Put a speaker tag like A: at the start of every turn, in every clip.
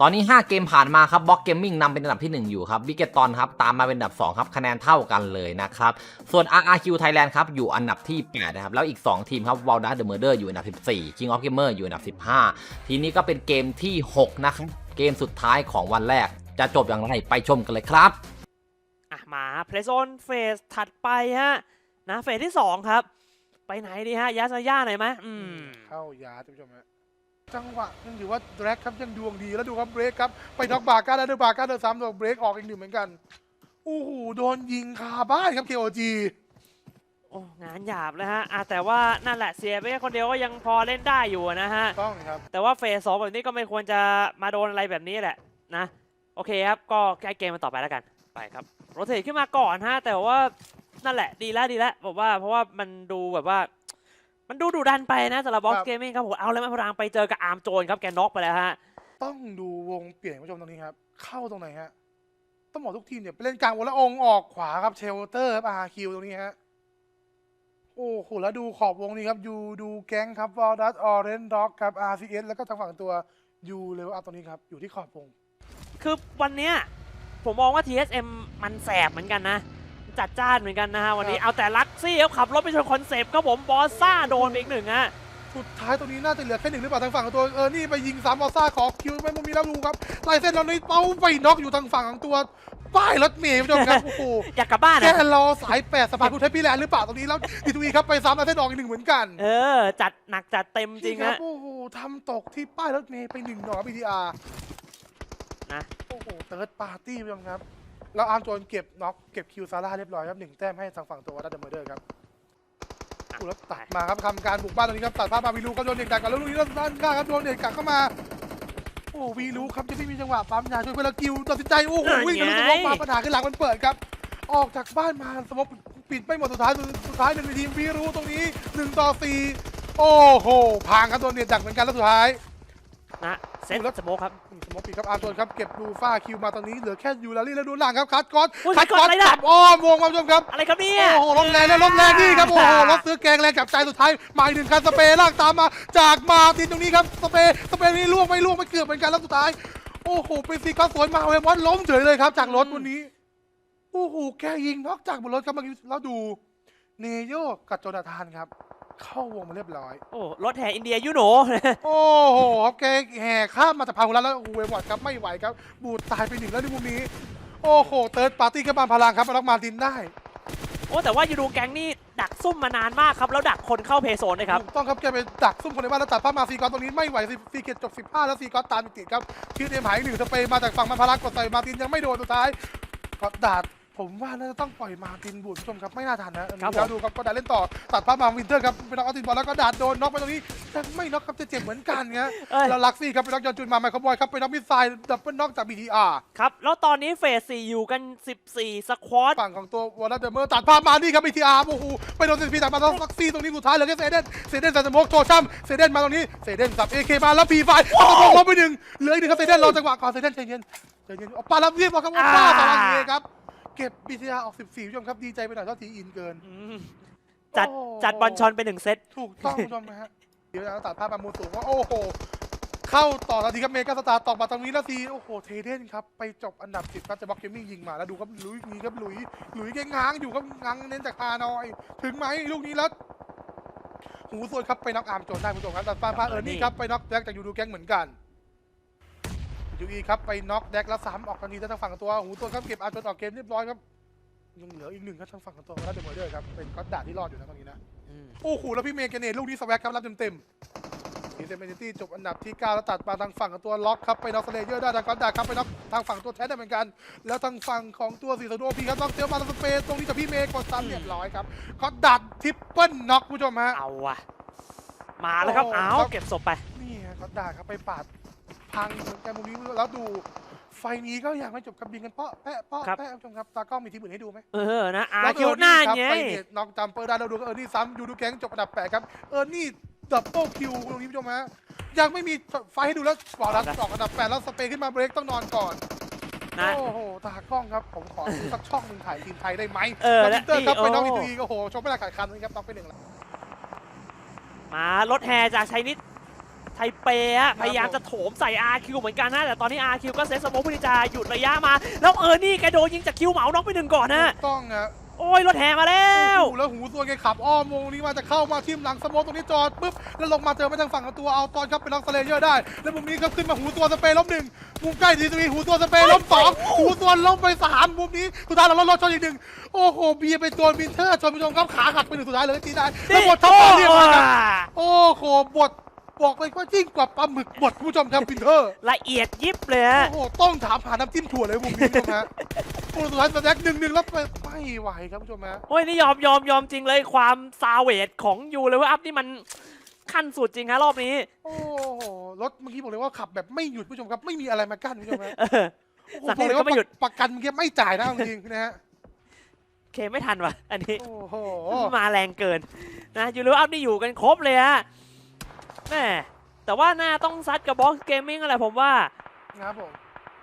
A: ตอนนี้5เกมผ่านมาครับบล็อกเกมมิ่งนำเป็นอันดับที่1อยู่ครับบิเกตอนครับตามมาเป็นอันดับ2ครับคะแนนเท่ากันเลยนะครับส่วน RRQ Thailand ครับอยู่อันดับที่8นะครับแล้วอีก2ทีมครับ Walnut The Murder อยู่อันดับ14 King of Gamer อยู่อันดับ15ทีนี้ก็เป็นเกมที่6นะครับเกมสุดท้ายของวันแรกจะจบอย่างไรไปชมกันเลยครับ
B: มาเพลย์โซนเฟสถัดไปฮะนะเฟสที่2ครับไปไหนดีฮะยาซาย่าหน่อยไหม
C: เข้ายาท่านผู้ชมฮะจังหวะยังถือว่าแดร็กครับยังดวงดีแล้วดูครับเบรกครับไปน็อกบาก้าแล้วบาก้าเดินซ้ำโดนเบรกออกอีกหนึ่งเหมือนกันโอ้โหโดนยิงคาบ้านครับ KOG
B: โอ้งานหยาบเลยฮะแต่ว่านั่นแหละเสียไปแค่คนเดียวก็ยังพอเล่นได้อยู่นะฮะ
C: ต้องครับ
B: แต่ว่าเฟส2แบบนี้ก็ไม่ควรจะมาโดนอะไรแบบนี้แหละนะโอเคครับก็ใกล้เกมมันต่อไปแล้วกันไปครับโรเตทขึ้นมาก่อนฮะแต่ว่านั่นแหละดีแล้วบอกว่าเพราะว่ามันดูแบบว่ามันดูดุดันไปนะสำหรับบล็อกเกมมิ่งครับผมเอาเลยมาพลังไปเจอกับอาร์มโจนครับแกน็อกไปแล้วฮะ
C: ต้องดูวงเปลี่ยนผู้ชมตรงนี้ครับเข้าตรงไหนฮะต้องบอกทุกทีมเนี่ยไปเล่นกลางวงแล้วองออกขวาครับเชลเตอร์ครับ RQ ตรงนี้ฮะโอ้โหแล้วดูขอบวงนี้ครับยูดูแก๊งครับวอลดัสออเรนด็อกครับ RCS แล้วก็ทางฝั่งตัวยูเลเวลอัพตรงนี้ครับอยู่ที่ขอบวง
B: คือวันเนี้ยผมมองว่า TSM มันแสบเหมือนกันนะจัดจ้านเหมือนกันนะฮะวันนี้เอาแต่ลักซี่เขาขับรถไปชนคอนเซปต์ครับผมบอสซ่าโดนไปอีกหนึ่งฮะ
C: สุดท้ายตรงนี้น่าจะเหลือแค่หนึ่งหรือเปล่าทางฝั่งของตัวนี่ไปยิง3บอสซ่าขอคิวไม่มีแล้วดูครับไล่เส้นเราในเป้าไปน็อกอยู่ทางฝั่งของตัวป้ายรถเมล์ผู้ชมครับโอ้โห
B: อยากกลับบ้าน
C: แค่รอสาย8สะพานพุทธพิแลนด์หรือเปล่าตรงนี้แล้วดีทูอีครับไปซ้ำไล่เส้นออกอีกหนึ่งเหมือนกัน
B: จัดหนักจัดเต็มจริงฮะ
C: โอ้โหทำตกที่ป้ายรถเมล์ไป1ดอก BTR
B: นะ
C: โอ้โหเติร์ดปาร์ตี้ผู้ชมครับแล้วอาร์มโจนเก็บน็อกเก็บคิวซาร่าเรียบร้อยครับ1แต้มให้ทางฝั่งตัวดัตเดอร์เมอร์เดอร์ครับแล้วตัดมาครับทำการบุกบ้านตรงนี้ครับตัดภาพมาวีลูครับโดนเด็กดักกันแล้วลูกนี้ด้านข้างครับโดนเด็กกักเข้ามาโอ้วีลูครับจะไม่มีจังหวะปั๊มยาช่วยเพื่อนกิวตัดสินใจโอ้โหวิ่งทะลุสมองมาปัญหาขึ้นหลังมันเปิดครับออกจากบ้านมาสมองปิดไม่หมดสุดท้ายหนึ่งในทีมวีลูตรงนี้1-4โอ้โหพังครับโดนเด็กดักเหมือนกันแล้วสุดท้าย
B: นะเซตสโมคครับ
C: สโมกปีครับอาร์โจนครับเก็บดูฟ้าคิวมาตอนนี้เหลือแค่ยูลารี่แล้วดูหลังครับคัดก๊อตจับอ้อมวงมาชมครับ
B: อะไรครับเนี่ย
C: โอ้โหลมแรงแล้วลมแรงนี่ครับโอ้โหรถซื้อแกงแรงจับใจสุดท้ายมาอีกหนึ่งคันสเปรย์ลากตามมาจากมาตินตรงนี้ครับสเปรย์นี้ล่วงไม่เกือบเหมือนกันแล้วสุดท้ายโอ้โหเป็นซีก็สวนมาเวมอนล้มเฉยเลยครับจากรถวันนี้โอ้โหแกยิงนอกจากบนรถครับเมื่อกี้แล้วดูเนโยกับโจนาธานครับเข้าวงมาเรียบร้อย
B: โอ้รถแห่อินเดียยูโน
C: โอ้โหแกแห่ข้ามมาจากพาหุรัตแล้วเวมอดครับไม่ไหวครับบูดตายไป1แล้วในมุมนี้โอ้โหเติร์ดปาร์ตี้ก็มาพลังครับมาล็อกมาตินได้
B: โอ้แต่ว่ายูดูแก๊งนี่ดักซุ่มมานานมากครับแล้วดักคนเข้าเพย์โซนเลยครับ
C: ถูกต้องครับแกไปดักซุ่มคนในบ้านแล้วตัดภาพมาซีกอตตรงนี้ไม่ไหวซีเกตจบ15แล้วซีกอตตามติดครับคิวเอ็มหาย1สเปย์มาจากฝั่งมันพลังกดใส่มาตินยังไม่โดนสุดท้ายก็ดาดผมว่าน่าจะต้องปล่อยมาตินบูดผู้ชมครับไม่น่าทันนะครับแล้วดูครับก็ดาดเล่นต่อตัดภาพมาวินเทอร์ครับเป็นน็อกเอาตินบอลแล้วก็ดาดโดนน็อกไปตรงนี้แต่ไม่น็อกครับจะเจ็บเหมือนกันครับแล้วลักซี่ครับเป็นน็อกยอนจุนมาไมค์คบอยครับเป็นน็อกมิสไซล์ดับเบิลน็อกจาก BTR
B: ครับแล้วตอนนี้เฟส4อยู่กัน14สควอต
C: ฝั่งของตัววอลเลย์เดอร์เมอร์ตัดภาพมานี่ครับ BTR โอ้โหไปโดนซีพีตัดมาแล้วลักซี่ตรงนี้สุดท้ายเหลือแค่เซเดนใส่สโมกโชว์ช่ำเซเดนมาตรงนี้เซเดนสับ AK มาแล้วพีไฟสโมกลบไป1เหลืออีก1ครับเซเดนรอจังหวะก่อนเซเดนใจเย็นปาลับเรียบร้อยครับว่าป้าตารางเอครับเก็บ BTR ออก14ผู้ชมครับดีใจไปหน่อยเท่าทีอินเกิน
B: จัดบอลชอนไป1เซต
C: ถูกต้องผู้ชมนะฮะเดี๋ยวตัดภาพมามูสูงว่าโอ้โหเข้าต่อทันทีครับเมกาสตาร์ตอกมาตรงนี้แล้วทีโอ้โหเทเดนครับไปจบอันดับ10ครับจะบล็อกเกมมิ่งยิงมาแล้วดูครับลุยนี้ครับลุยแกง้างอยู่ครับง้างเน้นจากฮานอยถึงไหมลูกนี้แล้วหูส่วนครับไปน็อกอาร์มโจนได้ผู้ชมครับตัดภาพนี่ครับไปน็อกแจ็คจากยูดูแก๊งเหมือนกันยูอีครับไปน็อกแดกแล้วซ้ำออกทันทีทางฝั่งตัวหูตัวครับเก็บอาร์จนออกเกมเรียบร้อยครับยังเหลืออีก1ครับทางฝั่งตัวแล้วเดมอร์เดอร์ครับเป็นก็ด่าที่รอดอยู่นะตรงนี้นะโอ้โหแล้วพี่เมย์แกเนตลูกนี้สวักครับรับเต็มทีเซมเบนตี้จบอันดับที่9แล้วตัดมาทางฝั่งของตัวล็อกครับไปน็อกสเลเยอร์ได้ทางก็ด่าครับไปน็อกทางฝั่งตัวแทสได้เหมือนกันแล้วทางฝั่งของตัวสีสโนพีครับน็อกเซลมาทางสเปซตรงนี้จากพี่เมย์กดซ้ำเรียบร้อยครับก็ดัดทริปเปิลน็อกผู้ชมฮะ
B: เอาว่ะมาแล้วครับเอาเก็บศพไป
C: นี่ก็ด่าครับไปปาดพังเหมือนกันมุมนี้แล้วดูไฟนี้ก็ยังไม่จบกับบินกันเพราะแปะผู้ชมครับตากล้องมีทีมอื่นให้ดูไหม
B: นะคิวหน้าไง
C: น็อกจัมเปอร์ได้เราดูก็นี่ซ้ำยูดูแก๊งจบอันดับ8ครับนี่ดับเบิลคิวตรงนี้ผู้ชมฮะยังไม่มีไฟให้ดูแล้วบอลลัสออกอันดับ8แล้วสเปย์ขึ้นมาเบรกต้องนอนก่อนโอ้โหตากล้องครับผมขอดูสักช่องหนึ่งถ่ายทีมไทยได้ไหมแล้วมิเตอร์ครับไปน็อกอีกทีโอ้โหชมไม่ได้ขาดคันนะครับน็อกไป1แล้ว
B: มารถแห่จากชัยนิดไทเปอะพยายามจะโถมใส่ RQ เหมือนกันนะแต่ตอนนี้ RQ ก็เซตสโมคเพื่อที่จะหยุดระยะมาแล้วนี่แกโดนยิงจากคิวเหมาน็อกไป1ก่อนนะ
C: ต้องอะ
B: โอ้ยรถแห่มาแล้ว
C: โอ้โหแล้วหูตัวแกขับอ้อมวงนี้มาจะเข้ามาทิ่มหลังสโมกตรงนี้จอดปุ๊บแล้วลงมาเจอมาทางฝั่งของตัวเอาตอนครับเป็นล็อกสเลเยอร์ได้แล้วมุมนี้ครับขึ้นมาหูตัวสเปรย์ล้ม1มุมใกล้ทีซีหูตัวสเปรย์ล้ม2หูตัวล้มไป3มุมนี้สุดท้ายเราลดชนอีก1โอ้โหเบียร์ไปโดนวินเทอร์ชนผู้ชมครับขาหักไป1สุดท้ายเลยตีได้แล้วบทท็อปต่อเรียบร้อยครับโอ้โหบทบอกเลยว่ายิ่งกว่าปลาหมึกบดผู้ชมครับวินเทอร์
B: ละเอียดยิบเลยฮะ
C: โอ้โหต้องถามหาน้ำจิ้มถั่วเลยมุมนี้ผู้ชมฮะโอ้สุดท้ายสแต็ก1-1แล้วไม่ไหวครับผู้ชมฮะ
B: โอ้ยนี่ยอมจริงเลยความซาเวทของยูเลยว่าอัพนี่มันขั้นสุดจริงฮะรอบนี้
C: โอ้โหรถเมื่อกี้บอกเลยว่าขับแบบไม่หยุดผู้ชมครับไม่มีอะไรมากั้นผู้ชมฮะ
B: เออ
C: โอ้โห
B: สัก
C: บ
B: ที
C: อกเลย
B: ก็
C: ว่า
B: ไม่หยุด
C: ประกันเมื่อกี้ไม่จ่ายนะจริงๆนะฮะ
B: เคไม่ทันว่ะอันนี้
C: โอ้โห
B: มาแรงเกินนะยูเลยว่าอัพนี่อยู่กันครบเลยฮะแม่แต่ว่าน่าต้องซัดกับบ็อกซ์เกมมิ่งอะไรผมว่า
C: นะครับผม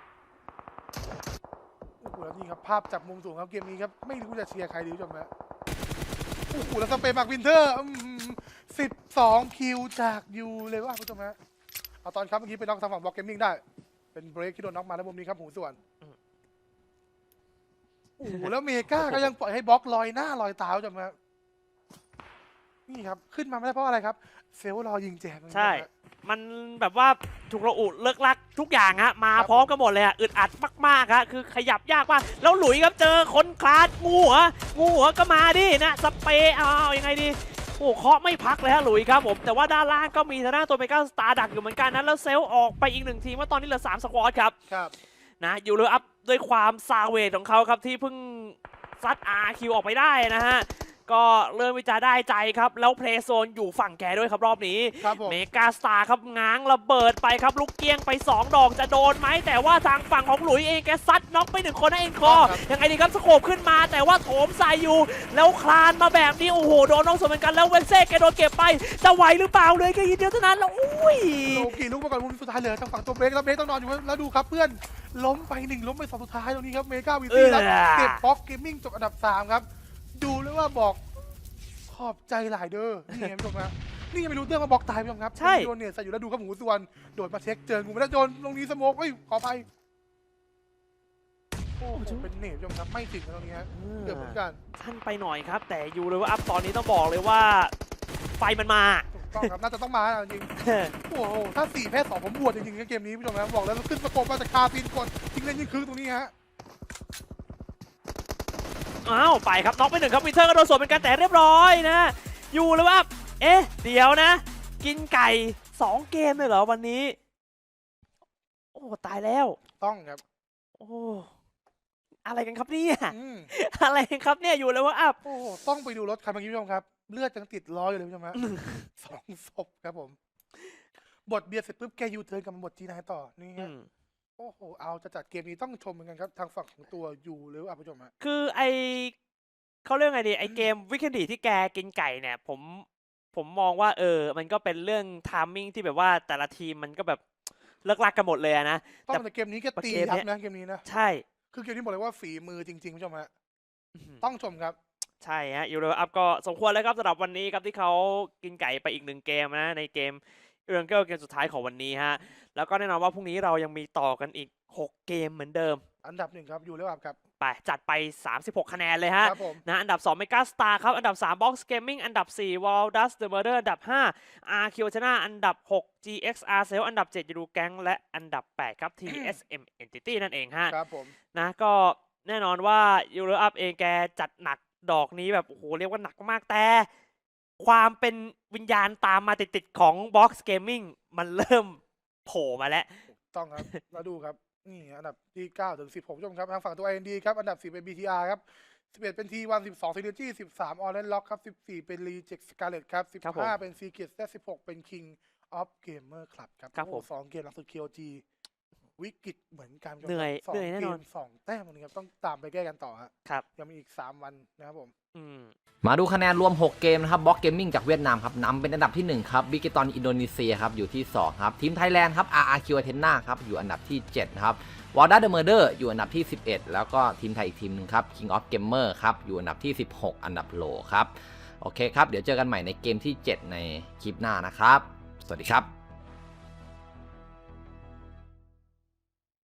C: โอ้โหแล้วนี่ครับภาพจากมุมสูงครับเกมนี้ครับไม่รู้จะเชียร์ใครดีผู้ชมฮะโอ้โหแล้วสเปนมาร์กวินเทอร์12 คิวจากยูเลยว่าผู้ชมฮะเอาตอนครับเมื่อกี้ไปน็อกทางฝั่งบล็อกเกมมิ่งได้เป็นเบรกที่โดนน็อกมาแล้วมุมนี้ครับหูส่วนโอ้โหแล้วเมกาก็ยังปล่อยให้บล็อกลอยหน้าลอยตาผู้ชมฮะนี่ครับขึ้นมาไม่ได้เพราะอะไรครับเซลล์รอยิงแจก
B: ใช่ มันแบบว่าถูกระอุเลิกลักทุกอย่างฮะมาพร้อมกันหมดเลยอะอึดอัดมากๆฮะคือขยับยากมากแล้วหลุยครับเจอคนคลาดงูหัวก็มาดินะสเปย์เอายังไงดีโอ้เคาะไม่พักเลยฮะหลุยครับผมแต่ว่าด้านล่างก็มีทางด้านตัวเมกาสตาร์ดักอยู่เหมือนกันนะแล้วเซลล์ออกไปอีก1ทีมว่าตอนนี้เหลือ3สควอตครับ
C: ครับ
B: นะอยู่เลยอัพด้วยความซาเวทของเขาครับที่เพิ่งซัด RQ ออกไปได้นะฮะก็เริ่มวิจารได้ใจครับแล้วเพลย์โซนอยู่ฝั่งแกด้วยครับรอบนี้
C: ครับผม
B: เมกาสตาร์ครับง้างระเบิดไปครับลูกเกี้ยงไป2ดอกจะโดนไหมแต่ว่าทางฝั่งของหลุยเองแกซัดน็อกไป1คนนะเองคอยังไงดีครับสโคปขึ้นมาแต่ว่าโถมใส่อยู่แล้วคลานมาแบบนี้โอ้โหโดนน้องสวนเหมือนกันแล้วเวนเซ่แกโดนเก็บไปจะไหวหรือเปล่าเลยแค่ยินเดียวเท่านั้นแล้วอุ้ย
C: โลกีลุกมาก่อนมุมสุดท้ายเหลือทางฝั่งตัวเบรกแล้วเบรกต้องนอนอยู่แล้วดูครับเพื่อนล้มไป1ล้มไป2สุดท้ายตรงนี้ครับเมกาวิตี้แล้วเก็บบ็อกเกมมิ่งจบอันดับ3ครับดูเลยว่าบอกขอบใจหลายเด้อนี่ไงผู้ชมครับนี่ยังไม่รู้เรื่องมาบอกตายผู้ชมครับ
B: ใช่
C: โดนเนี่ยใส่อยู่แล้วดูครับหูส่วนโดดมาเช็คเจองูไม่ได้โดนตรงนี้สโมกขอไปโอ้โหเป็นเนตผู้ชมครับไม่ถึงตรงนี้ฮะเกือบเหมือนกัน
B: ท่านไปหน่อยครับแต่อยู่เลยว่าอัพตอนนี้ต้องบอกเลยว่าไฟมันมา
C: ถูกต้องครับน่าจะต้องมาจริงโอ้โหถ้า4 แพ้ 2ผมบวชจริงๆในเกมนี้ผู้ชมครับบอกแล้วขึ้นสโคปมาจากคาฟินกดทิ้งเล่นยิงคืนตรงนี้ฮะ
B: อ้าวไปครับน็อกไป1ครับวินเทอร์ก็โดนสวนเป็นการแต่เรียบร้อยนะอยู่เลยว่าเอ๊ะเดี๋ยวนะ กินไก่2เกมเลยเหรอวันนี้โอ้ตายแล้ว
C: ต้องครับ
B: โอ้อะไรกันครับเนี่ย
C: อืม
B: อะไรกันครับเนี่ยอยู่เลยว่าอัพ
C: โอ้โหต้องไปดูรถคันเมื่อกี้ผู้ชมครับ เลือดยังติดล้ออยู่เลยผู้ชมฮะ 2 ศพครับผม บทเบียร์เสร็จปุ๊บแกยูเทิร์นกลับมาบทจีนายต่อนี่ฮะโอ้โหเอาจะจัดเกมนี้ต้องชมเหมือนกันครับทางฝั่งของตัวยูหรือผู้ชมฮะ
B: คือไอเขาเรียกไงดีไอเกมวิกเอนดีที่แกกินไก่เนี่ยผมมองว่ามันก็เป็นเรื่องทามมิ่งที่แบบว่าแต่ละทีมมันก็แบบเลิกลักกันหมดเลยนะ
C: ต้องแต่เกมนี้แกตียับนะเกมนี้นะ
B: ใช่
C: คือเกมนี้บอกเลยว่าฝีมือจริงๆผู้ชมฮะต้องชมครับ
B: ใช่ฮะยูโรอัพก็สมควรแล้วครับสำหรับวันนี้ครับที่เขากินไก่ไปอีก1เกมนะในเกมเรื่องเกมสุดท้ายของวันนี้ฮะแล้วก็แน่นอนว่าพรุ่งนี้เรายังมีต่อกันอีก6เกมเหมือนเดิม
C: อันดับ1ครับยูหรือครับ
B: ไปจัดไป36คะแนนเลยฮะ
C: ครับผม
B: นะอันดับ2 Mega Star ครับอันดับ3 Box Gaming อันดับ4 Wall Dust The Murder อันดับ5 RQ China อันดับ6 GXR Cell อันดับ7ยูดูแก๊งและอันดับ8ครับ TSM Entity นั่นเองฮะ
C: ครับผม
B: นะก็แน่นอนว่ายูโรอัพเองแกจัดหนักดอกนี้แบบโอ้โหเรียกว่าหนักมากแต่ความเป็นวิญญาณตามมาติดๆของ Box Gaming มันเริ่มโผล่มาแล้ว
C: ต้องครับ แล้วดูครับนี่อันดับที่9ถึง16ผู้ชมครับทางฝั่งตัว IND ครับอันดับ10เป็น BTR ครับ11เป็น T1 12 Synergy 13 Orange Lock ครับ14เป็น Reject Scarlet ครับ
B: ครับผม
C: 15เป็น Secret และ16เป็น King of Gamer Club ครับ
B: ครับผม
C: โอ้โห2เกมหลังสุด KOG วิกฤตเหมือนกันครับ
B: เหนื่อย
C: สอง
B: เหนื่อยแน่นอน
C: เกม2 แต้มตรงนี้ครับต้องตามไปแก้กันต่อฮะ
B: ครับ
C: ยังมีอีก3 วันนะครับผม
A: มาดูคะแนนรวม 6 เกมนะครับบล็อกเกมมิ่งจากเวียดนามครับนำเป็นอันดับที่ 1 ครับบิกเกตอนอินโดนีเซียครับอยู่ที่ 2 ครับทีมไทยแลนด์ครับ RRQ Athena ครับอยู่อันดับที่ 7 นะครับวอลด้าเดอะเมอร์เดอร์อยู่อันดับที่ 11 แล้วก็ทีมไทยอีกทีมหนึงครับ King of Gamer ครับอยู่อันดับที่ 16 อันดับโลครับโอเคครับเดี๋ยวเจอกันใหม่ในเกมที่ 7 ในคลิปหน้านะครับสวัสดีครับ